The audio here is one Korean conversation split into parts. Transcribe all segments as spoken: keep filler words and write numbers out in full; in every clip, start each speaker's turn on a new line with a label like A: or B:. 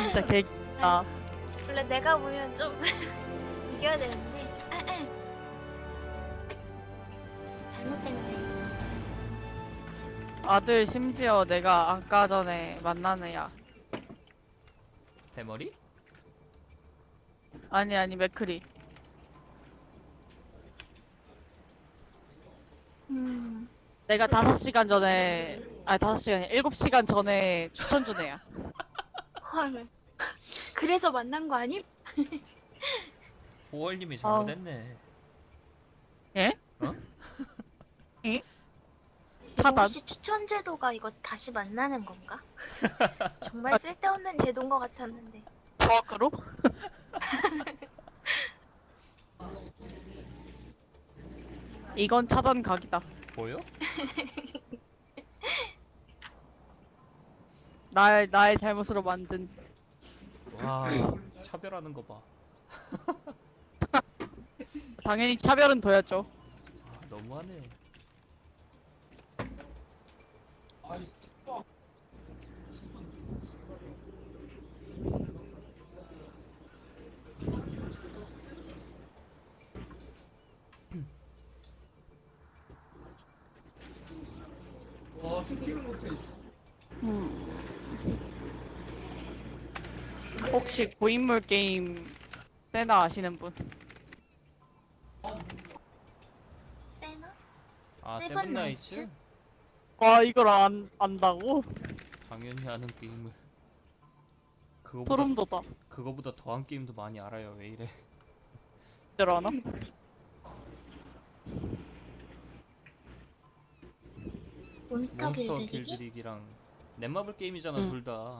A: 진짜 개다.
B: 원래 내가 보면 좀 이겨야 되는데 잘못된 거예요.
A: 아들 심지어 내가 아까 전에 만난 애야.
C: 대머리?
A: 아니 아니 맥크리.
B: 음,
A: 내가 다섯 시간 전에 아니 다섯 시간이 일곱 시간 전에 추천 준 애야.
B: 헐. 그래서 만난 거 아님?
C: 오월님이 잘못했네.
A: 예?
C: 어?
A: 예? 차단.
B: 혹시 추천 제도가 이거 다시 만나는 건가? 정말 쓸데없는 제도인 것 같았는데.
A: 버그로? 이건 차단 각이다.
C: 보여?
A: 나의 나의 잘못으로 만든.
C: 와, 차별하는 거 봐.
A: 당연히 차별은 둬야죠.
C: 아, 너무하네.
D: 와, 슈팅을 못해.
A: 혹시 고인물 게임 세나 아시는 분?
B: 세나?
C: 아,
B: 세븐
C: 세븐나이츠?
B: 나이츠?
A: 와 이걸 안 안다고?
C: 당연히 아는 게임을. 그거보다,
A: 소름 돋아.
C: 그거보다 더한 게임도 많이 알아요. 왜 이래?
A: 줄 아나?
B: 몬스터
C: 몬스터
B: 길들이기?
C: 길들이기랑 넷마블 게임이잖아,
A: 응.
C: 둘 다.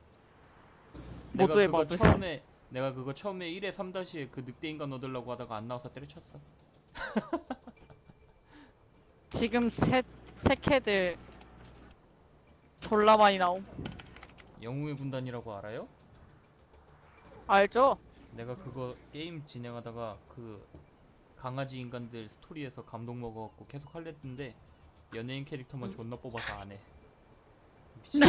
A: 모두의
C: 내가 그거
A: 마블.
C: 처음에 내가 그거 처음에 일에 삼 다시에 그 늑대 인간 얻으려고 하다가 안 나와서 때려쳤어.
A: 지금 새 새캐들 졸라 많이 나옴.
C: 영웅의 군단이라고 알아요?
A: 알죠?
C: 내가 그거 게임 진행하다가 그 강아지 인간들 스토리에서 감동 먹어갖고 계속 할려 했는데 연예인 캐릭터만 존나 뽑아서 안 해. 미친.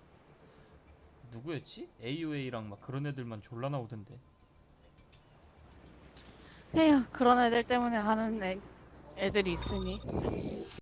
C: 누구였지? 에이오에이랑 막 그런 애들만 졸라 나오던데.
A: 에휴 그런 애들 때문에 하는 애, 애들이 있으니.